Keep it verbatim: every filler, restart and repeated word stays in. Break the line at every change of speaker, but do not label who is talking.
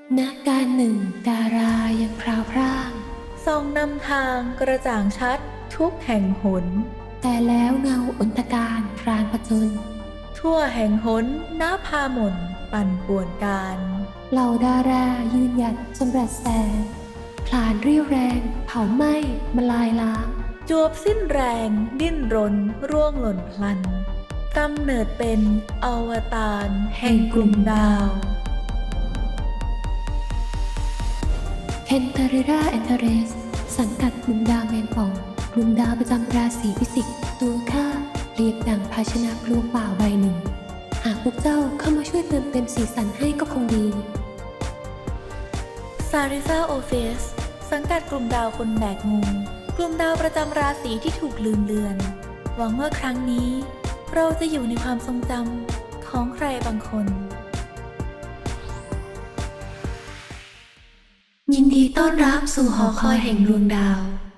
ณการหนึ่งดารายังพราวพร่าง
ส่องนำทางกระจ่างชัดทุกแห่งหน
แต่แล้วเงาอนตการพรานผจญ
ทั่วแห่งหนน้าพาหม่นปั่นป่วนการ
เหล่าดารายืนหยัดจำรัดแสงพลานเรียวแรงเผาไหม้มาลายล้าง
จวบสิ้นแรงดิ้นรนร่วงหล่นพลันกำเนิดเป็นอวตารแห่งกลุ่มดาว
เพนทาริราแอนเทเรสสังกัดกลุ่มดาวแมงป่องกลุ่มดาวประจำราศีพิจิกตัวข้าเรียบดังภาชนะกลวงเปล่าใบหนึ่งหากพวกเจ้าเข้ามาช่วยเติมเต็มสีสันให้ก็คงดี
ซาริซาโอเฟสสังกัดกลุ่มดาวคนแบกงูกลุ่มดาวประจำราศีที่ถูกลืมเลือนหวังว่าครั้งนี้เราจะอยู่ในความทรงจำของใครบางคน
ยินดีต้อนรับสู่หอคอยแห่งดวงดาว